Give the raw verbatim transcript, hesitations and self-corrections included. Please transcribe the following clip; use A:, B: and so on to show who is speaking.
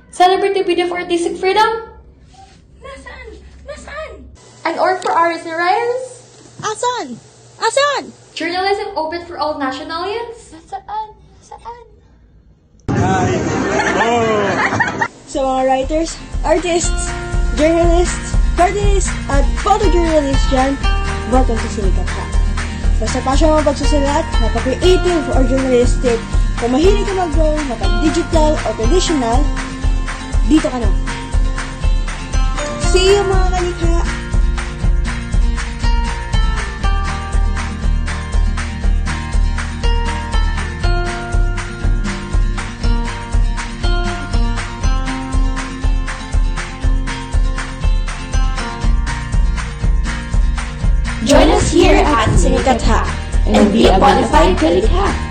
A: Celebrate the beauty of artistic freedom.
B: Nasaan? Nasaan?
A: An org for artists and writers.
B: Asan? Asan?
A: Journalism open for all nationalities.
B: Nasaan? Nasaan?
C: Sa mga writers, artists, journalists, cartoonists, at photojournalists dyan, welcome sa Sinikat Ha. Basta passion mo pagsusulat, napaka-creative or journalistic, kung mahilig ka mag-drawing, mapag-digital or traditional, dito ka na. See you mga kalikha!
D: Join us here at Sinikat Ha and be a bona fide kalikha.